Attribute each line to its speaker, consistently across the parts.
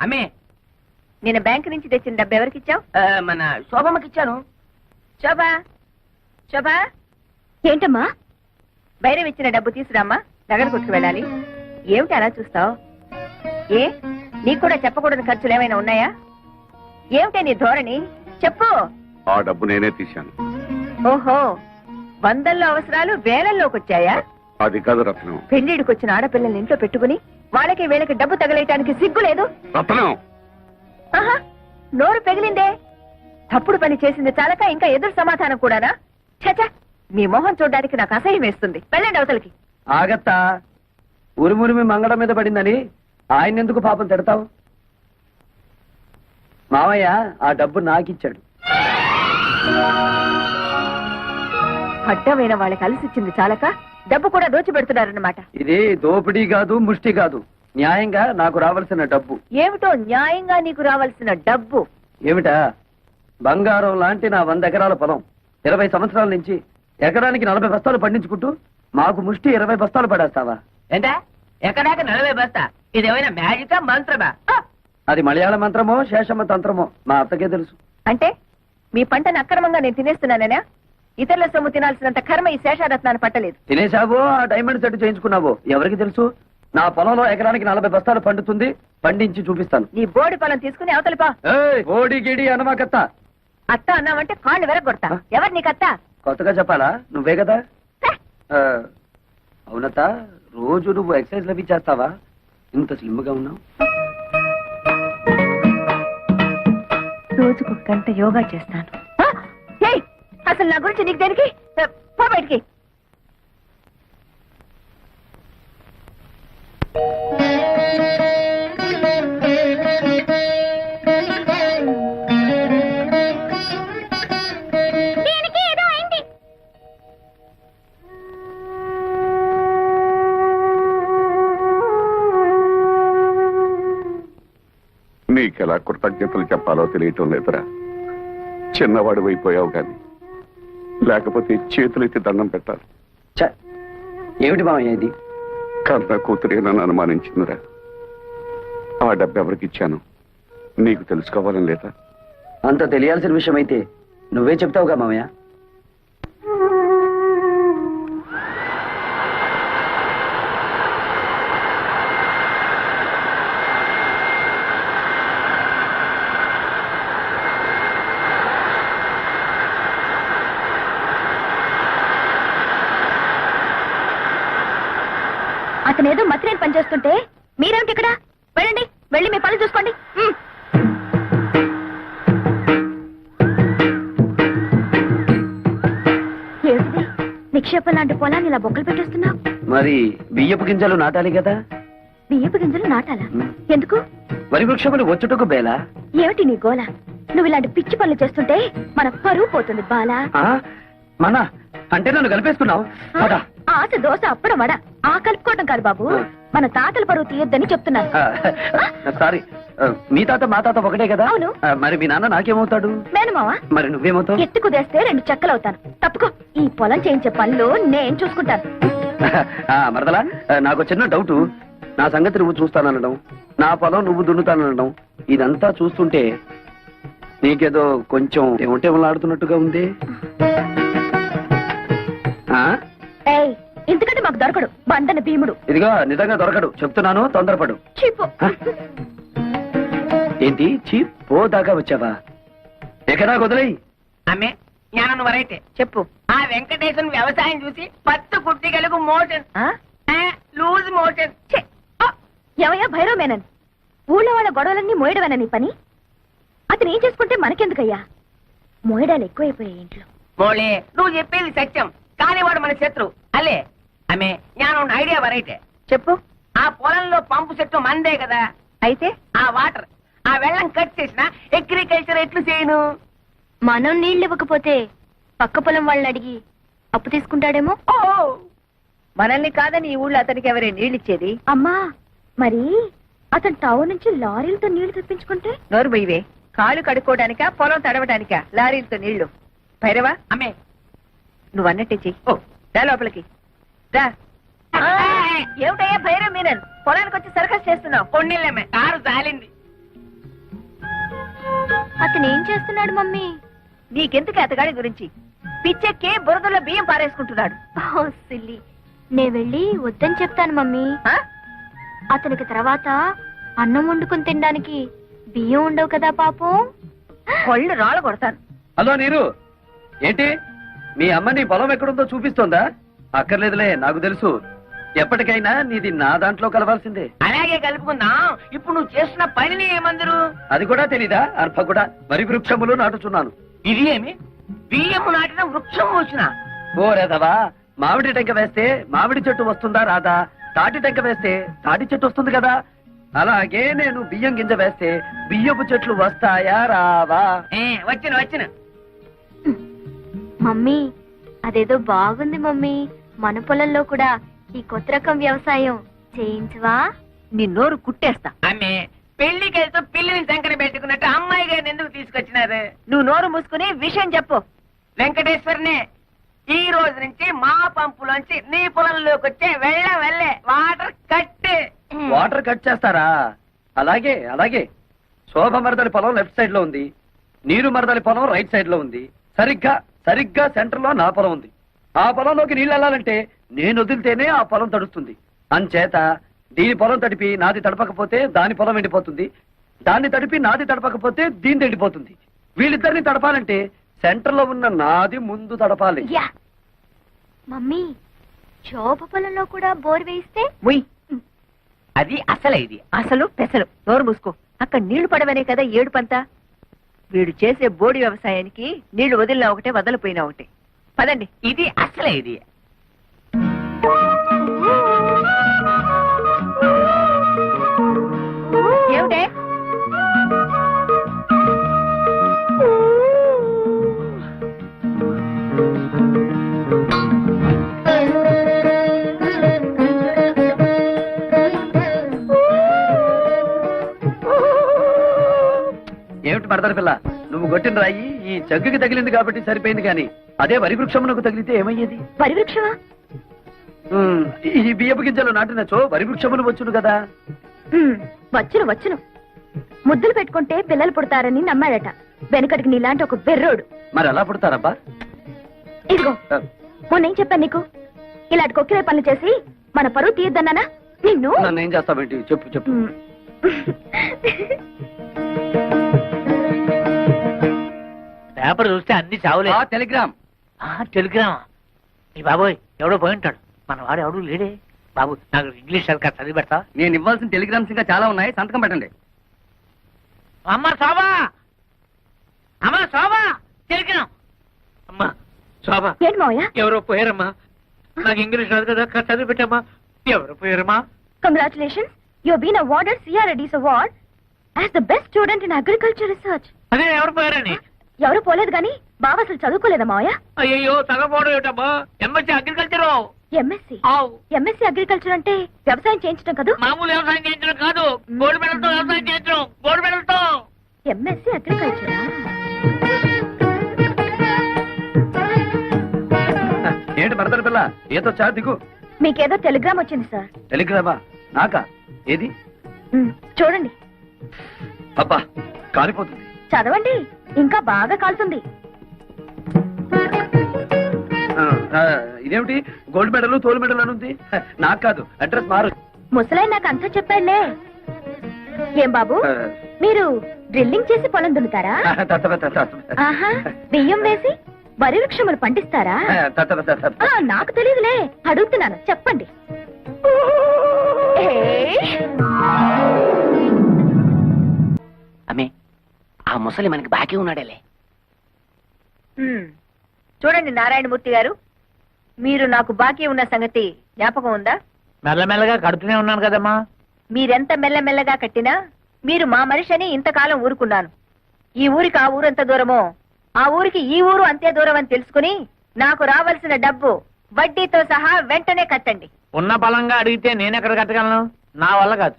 Speaker 1: అమ్మే
Speaker 2: నేను బ్యాంక్ నుంచి తెచ్చిన డబ్బు ఎవరికి ఇచ్చావు?
Speaker 1: మన శోభమ్మకి ఇచ్చాను.
Speaker 2: శోభా, శోభా,
Speaker 3: ఏంటమ్మా?
Speaker 2: బైరం ఇచ్చిన డబ్బు తీసురామ్మా, నగర కొట్టుకు వెళ్ళాలి. ఏమిటి అలా చూస్తావు? ఏ నీకు కూడా చెప్పకూడని ఖర్చులు ఏమైనా ఉన్నాయా? ఏమిటే నీ ధోరణి? చెప్పు.
Speaker 4: ఆ డబ్బు నేనే తీశాను.
Speaker 2: ఓహో, వందల్లో అవసరాలు వేలల్లోకి వచ్చాయా?
Speaker 4: అది కాదు రత్నం.
Speaker 2: పెళ్లిడికి వచ్చిన ఆడపిల్లల్ని ఇంట్లో పెట్టుకుని వాళ్ళకి వీళ్ళకి డబ్బు తగలేయటానికి సిగ్గు లేదు?
Speaker 4: రత్నం,
Speaker 2: ఆహా, నోరు పెగిలిందే. తప్పుడు పని చేసింది చాలక ఇంకా ఎదురు సమాధానం కూడానా? చచా, మీ మొహం చూడడానికి నాకు అసహ్యం వేస్తుంది. వెళ్ళండి అవతలకి.
Speaker 5: ఆగత్తా, ఉరిమురిమి మంగళం మీద పడిందని ఆయన ఎందుకు పాపం తిడతావు? మావయ్య ఆ డబ్బు నాకిచ్చాడు.
Speaker 2: అడ్డమైన వాళ్ళకి అలసిచ్చింది చాలక డబ్బు కూడా దోచిపెడుతున్నారన్నమాట.
Speaker 5: ఇది దోపిడీ కాదు, ముష్టి కాదు, న్యాయంగా నాకు రావాల్సిన డబ్బు.
Speaker 2: ఏమిటో న్యాయంగా నీకు రావాల్సిన డబ్బు?
Speaker 5: ఏమిటా? బంగారం లాంటి నా 100 ఎకరాల పొలం 20 సంవత్సరాల నుంచి ఎకరానికి 40 బస్తాలు పండించుకుంటూ మాకు ముష్టి 20 బస్తాలు పడేస్తావా?
Speaker 1: ఏంటా ఎక్కడాక 40 బస్తా? ఇదేమైనా మ్యాజికా మంత్రమా?
Speaker 5: అది మలయాళ మంత్రమో శేషమ్మ తంత్రమో మా అత్తకే తెలుసు.
Speaker 2: అంటే మీ పంటను అక్రమంగా నేను తినేస్తున్నానేనా? ఇతరుల సొమ్ము తినాల్సినంత కర్మ ఈ శేషారత్నాన్ని పట్టలేదు.
Speaker 5: తినేశావో ఆ డైమండ్ సెట్ చేయించుకున్నావో ఎవరికి తెలుసు? నా పొలంలో ఎకరానికి 40 బస్తాలు పండుతుంది, పండించి చూపిస్తాను.
Speaker 2: నీ బోడి పొలం తీసుకుని అవతలిపా.
Speaker 5: ఓడి గిడి అనమాకత్త.
Speaker 2: అత్త అన్నావంటే కాళ్ళు వెరగొడతా. ఎవరు నీకత్త?
Speaker 5: కొత్తగా చెప్పాలా? నువ్వే కదా. అవునత్త, రోజు నువ్వు ఎక్సర్సైజ్ లవి చేస్తావా? ఇంత స్లిమ్ గా ఉన్నావు.
Speaker 2: రోజుకు గంట యోగా చేస్తాను. అసలు నా గురించి నీకు దేనికి? పో బయటికి.
Speaker 4: నీకెలా కృతజ్ఞతలు చెప్పాలో తెలియటం లేదురా. చిన్నవాడు అయిపోయావు గాని లేకపోతే చేతులెత్తి దండం పెట్టాలి.
Speaker 5: ఏమిటి మావయ్య ఇది?
Speaker 4: కన్న కూతురే నన్ను అనుమానించిందిరా. ఆ డబ్బు ఎవరికి ఇచ్చాను నీకు తెలుసుకోవాలని లేదా?
Speaker 5: అంత తెలియాల్సిన విషయం అయితే నువ్వే చెప్తావుగా మావయ్య.
Speaker 3: అతనేదో మతిరేని పని చేస్తుంటే మీరేమిటి ఇక్కడ? వెళ్ళండి, వెళ్ళి మీ పనులు చూసుకోండి. ఏమిటి నిక్షేపం లాంటి పొలాన్ని ఇలా బొక్కలు పెట్టేస్తున్నావు?
Speaker 5: మరి బియ్యపు గింజలు నాటాలి కదా.
Speaker 3: బియ్యపు గింజలు నాటాలా? ఎందుకు?
Speaker 5: వరి వృక్షములు వచ్చుటకు బేలా.
Speaker 3: ఏమిటి నీ గోల? నువ్వు ఇలాంటి పిచ్చి పనులు చేస్తుంటే మన పరువు పోతుంది బాలా.
Speaker 5: మన అంటే నన్ను కలిపేసుకున్నావు.
Speaker 3: ఆశ దోశ అప్పడం వడ ఆ కలుపుకోవడం కాదు బాబు, మన తాతల పరువు తీయొద్దని చెప్తున్నాను.
Speaker 5: సారీ, మీ తాత మా తాత ఒకటే కదా.
Speaker 3: అవును.
Speaker 5: మరి మీ నాన్న నాకేమవుతాడు?
Speaker 3: మేనమావా.
Speaker 5: మరి నువ్వేమవుతావు?
Speaker 3: ఎత్తి కుదేస్తే 2 చెక్కలవుతాను. తప్పుకో, ఈ పొలం చేయించే పనులు నేను చూసుకుంటాను.
Speaker 5: మరదలా, నాకు చిన్న డౌట్. నా సంగతి నువ్వు చూస్తాననడం, నా పొలం నువ్వు దున్నుతాననడం, ఇదంతా చూస్తుంటే నీకేదో కొంచెం ఏమంటేమలాడుతున్నట్టుగా ఉంది.
Speaker 3: ఎందుకంటే మాకు దొరకడు బండన భీముడు.
Speaker 5: ఇదిగో నిజంగా దొరకడు చెప్తున్నాను, తొందరపడు.
Speaker 3: చీపు.
Speaker 5: ఏంటి చీప్? పో దాకా వచ్చావా? ఎక్కడా వదిలేయి.
Speaker 1: అమ్మే జ్ఞానం వరైతే
Speaker 2: చెప్పు.
Speaker 1: ఆ వెంకటేశ్వర వ్యవసాయం చూసి 10 కుట్టిగలకు మోషన్, లూజ్ మోషన్.
Speaker 3: ఎవయా భైరవ మేనన్, ఊళ్ళో వాళ్ళ గొడవలన్నీ మోయడమేనా నీ పని? అతను ఏం చేసుకుంటే మనకెందుకయ్యా? మోయడాలు ఎక్కువైపోయాయి ఇంట్లో.
Speaker 1: మోళే, నువ్వు చెప్పేది సత్యం, కానీ వాడు మన శత్రు అల్లే. అమ్మే జ్ఞానం ఐడియా వరైతే
Speaker 2: చెప్పు.
Speaker 1: ఆ పొలంలో పంపు చెట్టు మందే కదా.
Speaker 2: అయితే
Speaker 1: ఆ వాటర్, ఆ వెళ్ళం కట్ చేసిన అగ్రికల్చర్ ఎట్లు చేయను?
Speaker 3: మనం నీళ్ళు ఇవ్వకపోతే పక్క పొలం వాళ్ళని అడిగి అప్పు తీసుకుంటాడేమో.
Speaker 1: ఓ,
Speaker 2: మనల్ని కాదని ఈ ఊళ్ళో అతనికి ఎవరే నీళ్ళిచ్చేది?
Speaker 3: అమ్మా, మరి అతను టౌన్ నుంచి లారీలతో నీళ్లు తెప్పించుకుంటే?
Speaker 2: నోరు బొయ్యవే. కాళ్ళు కడుక్కోవడానికా పొలం తడవడానికా లారీలతో నీళ్లు? భైరవా,
Speaker 1: అమ్మే
Speaker 2: నువ్వు అన్నట్టే చెయ్యి.
Speaker 1: ఓ,
Speaker 2: రా లోపలికి రా. ఏమిటయ్యా భైరవ్ మీనన్, పొలానికి వచ్చి సర్కస్ చేస్తున్నావు?
Speaker 1: కొన్నిళ్ళమ్మే కారు జాలింది.
Speaker 3: అతను ఏం చేస్తున్నాడు మమ్మీ?
Speaker 2: నీకెందుకు అతగాడి గురించి? పిచ్చెక్కి బురదలో బియ్యం పారేసుకుంటున్నాడు.
Speaker 3: ఓ సిల్లి, నే వెళ్ళి వద్దని చెప్తాను మమ్మీ.
Speaker 2: ఆ?
Speaker 3: అతనికి తర్వాత అన్నం వండుకుని తినడానికి బియ్యం ఉండవు కదా పాపం.
Speaker 2: కొళ్ళు రాళ్ళ కొడతాను.
Speaker 5: హలో నీరు, ఏంటి మీ అమ్మ నీ పొలం ఎక్కడుందో చూపిస్తోందా? అక్కర్లేదులే, నాకు తెలుసు. ఎప్పటికైనా నీది నా దాంట్లో కలవాల్సిందే.
Speaker 1: అలాగే కలుపుకుందాం. ఇప్పుడు నువ్వు చేస్తున్న పనిని ఏమందరు?
Speaker 5: అది కూడా తెలీదా? అర్భ కూడా వరి వృక్షములు నాటుచున్నాను.
Speaker 1: ఇది ఏమి బియ్యము నాటిన వృక్షం వచ్చిన?
Speaker 5: ఓ రేదవా, మామిడి టెంక వేస్తే మామిడి చెట్టు వస్తుందా రాదా? తాటి టెంక వేస్తే తాటి చెట్టు వస్తుంది కదా. అలాగే నేను బియ్యం గింజ వేస్తే బియ్యపు చెట్లు వస్తాయా రావా?
Speaker 1: వచ్చిన వచ్చిన.
Speaker 3: మమ్మీ, అదేదో బాగుంది మమ్మీ. మన పొలంలో కూడా ఈ కొత్త రకం వ్యవసాయం చేయించవా?
Speaker 2: నీ నోరు కుట్టేస్తా.
Speaker 1: ఆమె పెళ్లికి వెళ్తూ పిల్లిని సంకర పెట్టుకున్నట్టు అమ్మాయి గారిని ఎందుకు తీసుకొచ్చినారు?
Speaker 2: నువ్వు నోరు మూసుకుని విషయం చెప్పు.
Speaker 1: వెంకటేశ్వరనే, ఈ రోజు నుంచి మా పంపులోంచి నీ పొలంలోకి వచ్చే వెళ్ళే వాటర్ కట్.
Speaker 5: వాటర్ కట్ చేస్తారా? అలాగే అలాగే. శోభ మరదలి పొలం లెఫ్ట్ సైడ్ లో ఉంది, నీరు మరదలి పొలం రైట్ సైడ్ లో ఉంది. సరిగ్గా సెంటర్ లో నా పొలం ఉంది. ఆ పొలంలోకి నీళ్ళు వెళ్ళాలంటే నేను వదిలితేనే ఆ పొలం తడుస్తుంది. అంచేత దీని పొలం తడిపి నాది తడపకపోతే దాని పొలం ఎండిపోతుంది, దాన్ని తడిపి నాది తడపకపోతే దీని ఎండిపోతుంది. వీళ్ళిద్దరిని తడపాలంటే సెంటర్ లో ఉన్న నాది ముందు తడపాలి.
Speaker 3: యా మమ్మీ, శోభ పొలంలో కూడా బోర్ వేయిస్తే?
Speaker 2: ఉయ్,
Speaker 1: అది అసలే ఇది.
Speaker 2: అసలు పెసలు. నోరు మూసుకో. అక్కడ నీళ్లు పడవనే కదా ఏడుపంతా. వీడు చేసే బోడి వ్యవసాయానికి నీళ్లు వదిలినా ఒకటే, వదలిపోయినా ఒకటే. పదండి.
Speaker 1: ఇది అసలే ఇది.
Speaker 2: ఏమిటే?
Speaker 5: ఏమిటి మరదల పిల్ల, నువ్వు కొట్టిన రాయి ఈ జగ్గుకి తగిలింది కాబట్టి సరిపోయింది, కానీ అదే వరి వృక్షమునకు తగిలితే ఏమయ్యేది?
Speaker 3: పరివృక్షమా?
Speaker 5: ఈ బియ్యపు గింజలు నాటినచో వరి వృక్షములు వచ్చును కదా.
Speaker 3: వచ్చును వచ్చును. ముద్దులు పెట్టుకుంటే పిల్లలు పుడతారని నమ్మాడట వెనకటికి నీలాంటి ఒక బెర్రోడు.
Speaker 5: మరి ఎలా పుడతారబ్బా?
Speaker 3: ఇదిగో, మొన్నేం చెప్పాను నీకు? ఇలాంటి కొక్కిరే పనులు చేసి మన పరువు తీయద్దన్నానా నిన్ను?
Speaker 5: నన్ను ఏం చేస్తావేంటి? చెప్పు చెప్పు.
Speaker 6: పేపర్ చూస్తే అన్ని చావులే.
Speaker 5: టెలిగ్రామ్.
Speaker 6: టెలిగ్రామా? ఈ బాబోయ్, ఎవడో పోయి ఉంటాడు. మన వాడు ఎవడు లేడే. బాబు, నాకు ఇంగ్లీష్ సరిగ్గా చదివి పెడతా.
Speaker 5: నేను ఇవ్వాల్సిన టెలిగ్రామ్స్ ఇంకా చాలా ఉన్నాయి, సంతకం పెట్టండి.
Speaker 6: అమ్మ శోభా, అమ్మ శోభా, టెలిగ్రామ్. అమ్మా శోభా,
Speaker 3: ఏంటి మావయ్య?
Speaker 6: ఎవరో పోయారమ్మా. నాకు ఇంగ్లీష్ రాదు కదా, చదివి పెట్టమ్మా. ఎవరు పోయారమ్మా?
Speaker 3: Congratulations, you been awarded CRADS award as the best student in agriculture research.
Speaker 6: అదే ఎవరు పోయారని?
Speaker 3: ఎవరు పోలేదు గాని బావ అసలు చదువుకోలేదా మావయ్య?
Speaker 6: అయ్యో, చదవపోవడం ఏమిటమ్మా? MSc agriculture.
Speaker 3: MSc? MSc agriculture అంటే వ్యవసాయం చేయించడం కదా?
Speaker 6: మామూలు వ్యవసాయం చేయించడం కాదు, గోల్డ్ మెడల్తో వ్యవసాయం చేయించడం. గోల్డ్ మెడల్తో.
Speaker 3: ఎంఎస్సీ అగ్రికల్చరా?
Speaker 5: ఏంటి మరదల పిల్ల, ఏదో చా దిగు.
Speaker 3: మీకేదో టెలిగ్రామ్ వచ్చింది సార్.
Speaker 5: టెలిగ్రామా? నాకా? ఏది?
Speaker 3: చూడండి.
Speaker 5: అబ్బా, కాలిపోతుంది.
Speaker 3: చదవండి, ఇంకా బాగా కాలుతుంది.
Speaker 5: ఇదేమిటి గోల్డ్ మెడల్ తోలు మెడల్ అని ఉంది? నాకు కాదు, అడ్రస్ మారు.
Speaker 3: ముసలాయి నాకు అంతా చెప్పాడులే. ఏం బాబు, మీరు డ్రిల్లింగ్ చేసి పొలం దున్నుతారా? ఆహా, బియ్యం వేసి వరి వృక్షములు పండిస్తారా? నాకు తెలియదులే, అడుగుతున్నాను, చెప్పండి.
Speaker 1: అమ్మే, ఆ ముసలి మనకి బాకీ ఉన్నాడేలే.
Speaker 2: చూడండి నారాయణమూర్తి గారు, మీరు నాకు బాకీ ఉన్న సంగతి జ్ఞాపకం ఉందా?
Speaker 6: మెల్లమెల్లగా కడుతూనే ఉన్నాను కదమ్మా.
Speaker 2: మీరెంత మెల్లమెల్లగా కట్టినా మీరు మా మనిషి అని ఇంతకాలం ఊరుకున్నాను. ఈ ఊరికి ఆ ఊరు ఎంత దూరమో, ఆ ఊరికి ఈ ఊరు అంతే దూరం అని తెలుసుకుని నాకు రావాల్సిన డబ్బు వడ్డీతో సహా వెంటనే కట్టండి.
Speaker 6: ఉన్న బలంగా అడిగితే నేనెక్కడ కట్టగలను? నా వల్ల కాదు.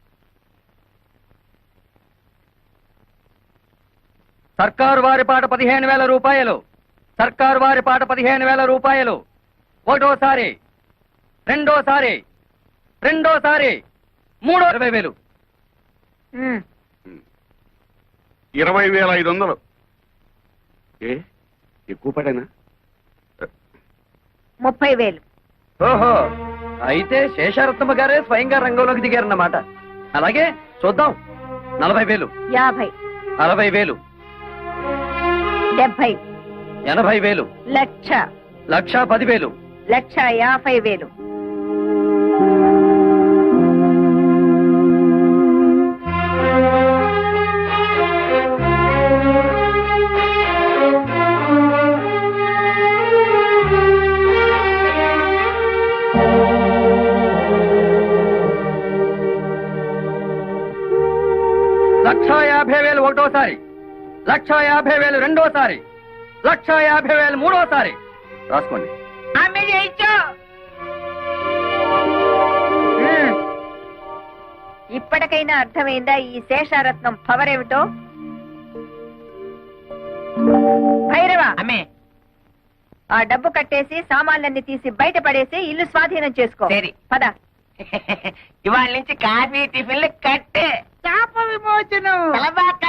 Speaker 5: సర్కారు వారి పాట 15,000 రూపాయలు. సర్కారు వారి పాట 15,000 రూపాయలు. ఒకటోసారి, రెండోసారి, మూడో 20,000.
Speaker 4: 20,500. ఏ ఎక్కువ పడేనా?
Speaker 2: 30,000.
Speaker 5: ఓహో, అయితే శేషారత్నమ్మ గారే స్వయంగా రంగంలోకి దిగారన్నమాట. అలాగే చూద్దాం. 40,000,
Speaker 2: 50,
Speaker 5: 60,000,
Speaker 2: 70,
Speaker 5: 80,000,
Speaker 2: లక్ష,
Speaker 5: 1,10,000.
Speaker 2: 1,50,000.
Speaker 5: లక్ష 50,000 ఒకటోసారి, 1,50,000 రెండోసారి, 1,50,000 మూడోసారి. రాసుకోండి.
Speaker 1: అమ్మే చేయించు.
Speaker 2: ఇప్పటికైనా అర్థమైందా ఈ శేషారత్నం పవర్ ఏమిటో? భైరవ,
Speaker 1: అమ్మే
Speaker 2: ఆ డబ్బు కట్టేసి సామాన్లన్నీ తీసి బయట పడేసి ఇల్లు స్వాధీనం చేసుకో.
Speaker 1: సరే.
Speaker 2: పద.
Speaker 1: ఇవాళ నుంచి కాఫీ టిఫిన్లు కట్టే. శాప విమోచనం. తలబాక.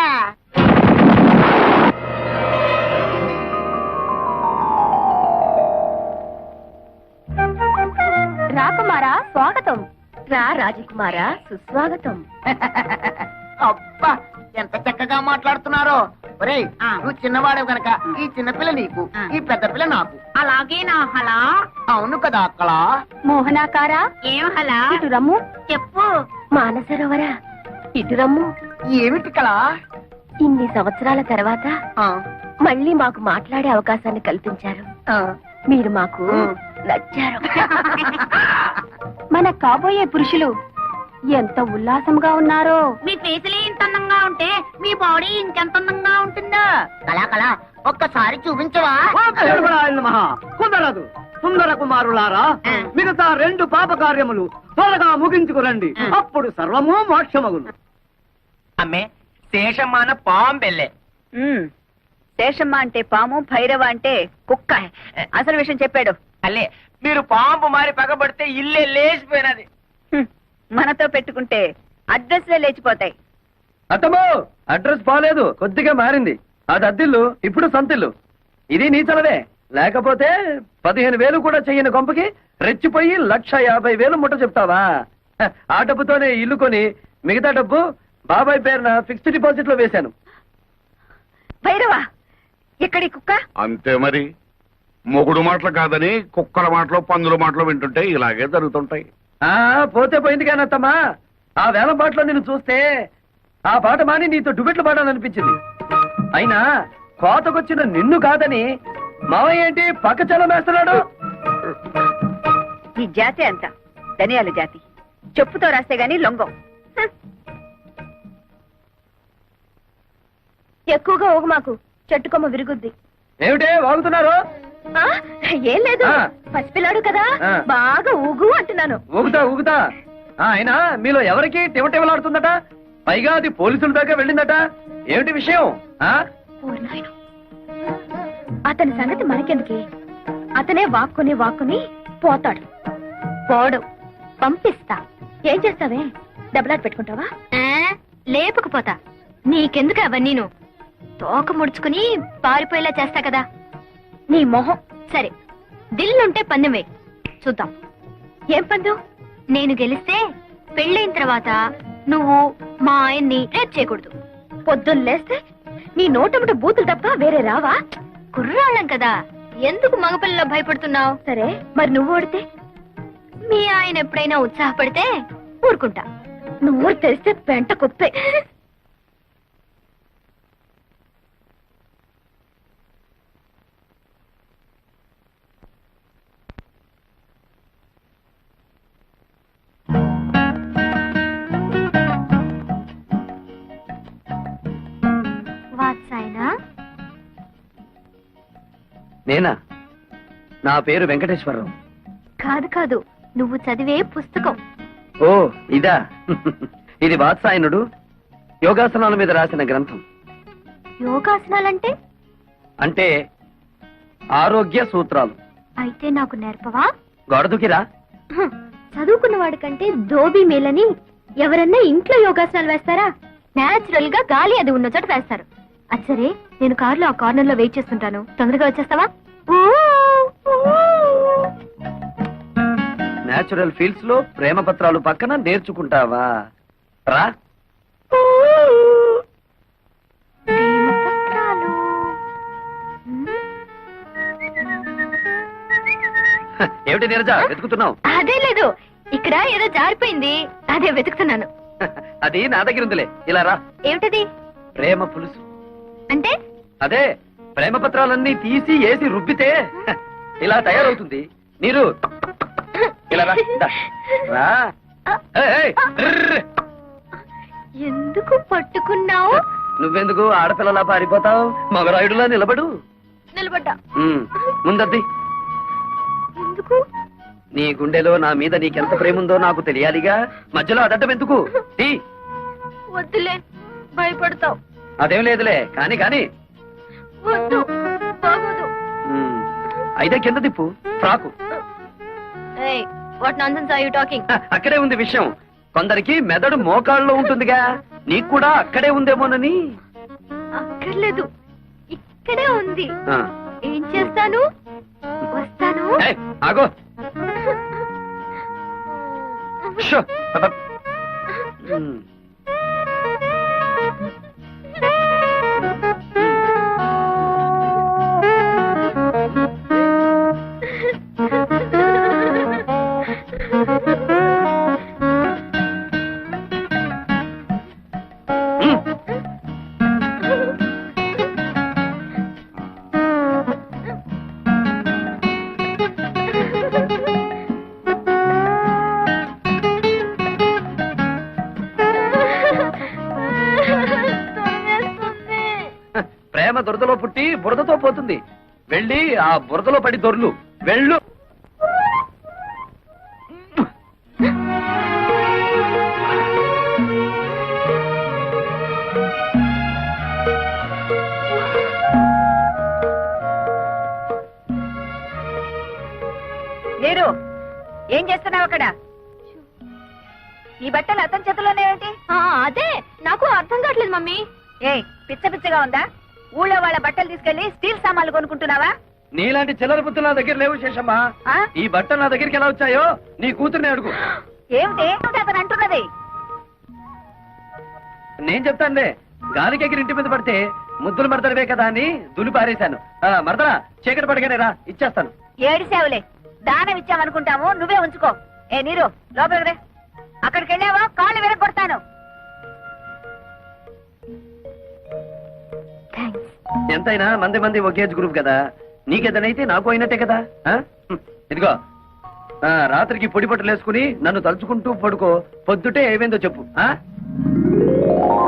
Speaker 3: రాకుమారా స్వాగతం. రా రాజకుమారా సుస్వాగతం.
Speaker 1: అబ్బా ఎంత చక్కగా మాట్లాడుతున్నారో. ఒరేయ్, నువ్వు చిన్నవాడు గనక ఈ చిన్నపిల్ల నీకు, ఈ పెద్ద పిల్ల నాకు. అలాగే నా హలా. అవును కదా అక్కడ.
Speaker 3: మోహనాకారా
Speaker 1: ఏం హలా?
Speaker 3: ఇటు రమ్ము.
Speaker 1: చెప్పు.
Speaker 3: మానసరోవరా ఇటు రమ్ము.
Speaker 1: ఏమిటి కలా?
Speaker 3: ఇన్ని సంవత్సరాల తర్వాత మళ్ళీ మాకు మాట్లాడే అవకాశాన్ని కల్పించారు. మీరు మాకు నచ్చారు. మన కాబోయే పురుషులు ఎంత ఉల్లాసంగా ఉన్నారో.
Speaker 1: మీ ఫేసులే ఇంత అందంగా ఉంటే మీ బాడీ ఇంకెంత అందంగా ఉంటుందో. కళా కళా ఒక్కసారి చూపించవా?
Speaker 5: కుదరదు. సుందర కుమారులారా, మిగతా 2 పాప కార్యములు త్వరగా ముగించుకురండి. అప్పుడు సర్వము మోక్షమగును.
Speaker 1: అమ్మే శేషమాన పాంబెల్లే.
Speaker 2: శేషమ్మ అంటే పాము, భైరవ అంటే కుక్క. అసలు విషయం చెప్పాడు.
Speaker 1: అల్లే మీరు పాంపు మారి పగబడితే ఇల్లే లేచిపోయినది.
Speaker 2: మనతో పెట్టుకుంటే అడ్రస్లే లేచిపోతాయి.
Speaker 5: అత్తమ్మో, అడ్రస్ బాలేదు, కొద్దిగా మారింది. అది అద్దిల్లు, ఇప్పుడు సంతిల్లు. ఇది నీచలదే. లేకపోతే 15,000 కూడా చెయ్యని కొంపకి రెచ్చిపోయి 1,50,000 ముట్ట చెప్తావా? ఆ డబ్బుతోనే ఇల్లు కొని మిగతా డబ్బు బాబాయ్ పేరున ఫిక్స్డ్ డిపాజిట్ లో వేశాను.
Speaker 2: భైరవ, ఎక్కడి కుక్క?
Speaker 4: అంతే మరి. మొగుడు మాటలు కాదని కుక్కల మాటలు, పందుల మాటలు వింటుంటే ఇలాగే జరుగుతుంటాయి.
Speaker 5: పోతే పోయింది కానీ అత్తమ్మా, ఆ వేలం పాటలో నిన్ను చూస్తే ఆ పాట మాని నీతో డుబెట్లు పాడాలనిపించింది. అయినా కోతకొచ్చిన నిన్ను కాదని మావయ్య ఏంటి పక్క చలం వేస్తున్నాడు?
Speaker 2: ఈ జాతి అంత ధనియాల జాతి. చెప్పుతో రాస్తే గాని లొంగం.
Speaker 3: ఎక్కువగా ఊగు మాకు, చెట్టుకొమ్మ విరుగుద్ది.
Speaker 5: ఏమిటే వాగుతున్నారు?
Speaker 3: ఏం లేదు,
Speaker 5: ఆ.
Speaker 3: పసిపిల్లాడు కదా,
Speaker 5: ఆ.
Speaker 3: బాగా ఊగు అంటున్నాను.
Speaker 5: ఊగుతా. అయినా మీలో ఎవరికి టివటివలాడుతుందట? పైగా అది పోలీసుల దాకా వెళ్ళిందట. ఏమిటి విషయం?
Speaker 3: ఓరి నాయనో. అతని సంగతి మనకెందుకే? అతనే వాక్కుని పోతాడు. పోడు, పంపిస్తా. ఏం చేస్తావే? డబ్బులాట పెట్టుకుంటావా? లేపకపోతా. నీకెందుకు అవన్నీను? తోక ముడుచుకుని పారిపోయేలా చేస్తా కదా. నీ మొహం. సరే, దిల్లుంటే పందెం వేయి, చూద్దాం. ఏం పందెం? నేను గెలిస్తే పెళ్ళైన తర్వాత నువ్వు మా ఆయన్ని రేప్ చేయకూడదు. పొద్దున్న లేస్తే నీ నోటముట బూతులు తప్ప వేరే రావా? కుర్రాళ్ళం కదా, ఎందుకు మగపిల్లలో భయపడుతున్నావు? సరే, మరి నువ్వు ఓడితే? మీ ఆయన ఎప్పుడైనా ఉత్సాహపడితే ఊరుకుంటా. నువ్వు తెలిస్తే పెంట కుప్పే.
Speaker 5: నేనా? నా పేరు వెంకటేశ్వరరావు.
Speaker 3: కాదు, నువ్వు చదివే పుస్తకం.
Speaker 5: ఓ ఇదా? ఇది వాత్సాయనుడు యోగాసనాల మీద రాసిన గ్రంథం.
Speaker 3: యోగాసనాలంటే?
Speaker 5: అంటే ఆరోగ్య సూత్రాలు.
Speaker 3: అయితే నాకు నేర్పవా?
Speaker 5: గొడదుకిరా.
Speaker 3: చదువుకున్న వాడి కంటే దోబీ మేలని ఎవరన్నా ఇంట్లో యోగాసనాలు వేస్తారా? నేచురల్ గా గాలి అది ఉన్న చోట వేస్తారు. అది సరే, నేను కారులో ఆ కార్నర్ లో వెయిట్ చేస్తుంటాను, తొందరగా వచ్చేస్తావా?
Speaker 5: నేచురల్ ఫీల్డ్స్ లో ప్రేమ పత్రాలు పక్కన నేర్చుకుంటావా? రా.
Speaker 3: ప్రేమపత్రాలు.
Speaker 5: ఏమిటి నీరజ వెతుకుతున్నావు?
Speaker 3: అదే లేదు, ఇక్కడ ఏదో జారిపోయింది, అదే వెతుకుతున్నాను.
Speaker 5: అది నా దగ్గర ఉందిలే, ఇలా రా.
Speaker 3: ఏమిటది?
Speaker 5: ప్రేమ పులుసు.
Speaker 3: అంటే
Speaker 5: అదే ప్రేమ పత్రాలన్నీ తీసి ఏసి రుబ్బితే ఇలా తయారవుతుంది. నీరు ఇలా రా. దా. రా. ఏయ్, ఏయ్, ర్ర్.
Speaker 3: ఎందుకు పట్టుకున్నావు?
Speaker 5: నువ్వెందుకు ఆడపిల్లలా పారిపోతావు? మగరాయుడులా నిలబడు.
Speaker 3: నిలబడ్డా.
Speaker 5: ముందద్ది.
Speaker 3: ఎందుకు?
Speaker 5: నీ గుండెలో నా మీద నీకెంత ప్రేమ ఉందో నాకు తెలియాలిగా. మధ్యలో అడ్డం ఎందుకు? తీ.
Speaker 3: వద్దులే, భయపడతావు.
Speaker 5: అదేం లేదులే, కాని కాని.
Speaker 3: వద్దు, బాగోదు.
Speaker 5: అయితే కింద తిప్పు. Frock.
Speaker 3: What nonsense are you talking?
Speaker 5: అక్కడే ఉంది విషయం. కొందరికి మెదడు మోకాళ్ళలో ఉంటుందిగా, నీకు కూడా అక్కడే ఉందేమోనని.
Speaker 3: అక్కర్లేదు, ఇక్కడే ఉంది.
Speaker 5: ఆ.
Speaker 3: ఏం చేస్తాను? వస్తాను.
Speaker 5: ఏయ్, ఆగో. షో. అబ్బ. ప్రేమ దురదలో పుట్టి బురదతో పోతుంది. వెళ్ళి ఆ బురదలో పడి దొర్లు. వెళ్ళు.
Speaker 2: మీరు ఏం చేస్తున్నావు అక్కడ? ఈ బట్టలు అతని చేతుల్లోనే ఏంటి?
Speaker 3: అదే నాకు అర్థం కావట్లేదు మమ్మీ.
Speaker 2: ఏ పిచ్చ పిచ్చగా ఉందా? ఊళ్ళో వాళ్ళ బట్టలు తీసుకెళ్లి స్టీల్ సామాన్లు కొనుక్కుంటున్నావా?
Speaker 5: నీలాంటి చిల్లర బుద్ధులు నా దగ్గర లేవు శేషమ్మా.
Speaker 2: ఆ?
Speaker 5: ఈ బట్టలు నా దగ్గరికి ఎలా వచ్చాయో నీ కూతుర్ని అడుగు.
Speaker 2: ఏమిటి అతను అంటున్నది?
Speaker 5: నేను చెప్తానులే. గాలికి ఎగిరి ఇంటి మీద పడితే ముద్దులు మడతడవే కదా అని దులి పారేశాను. మరదరా చీకటి పడగానే రా, ఇచ్చేస్తాను.
Speaker 2: ఏడిసావులే, దానం ఇచ్చామనుకుంటాము, నువ్వే ఉంచుకో. ఏ నీరు లోపలికి రే. అక్కడికి వెళ్ళావా కాళ్ళు విరగొడతాను.
Speaker 5: ఎంతైనా మంది మంది ఒకే గ్రూప్ కదా. నీకేదనైతే నాకు అయినట్టే కదా. ఇదిగో రాత్రికి పొడి బట్టలు వేసుకుని నన్ను తలుచుకుంటూ పడుకో. పొద్దుటే ఏమైందో చెప్పు.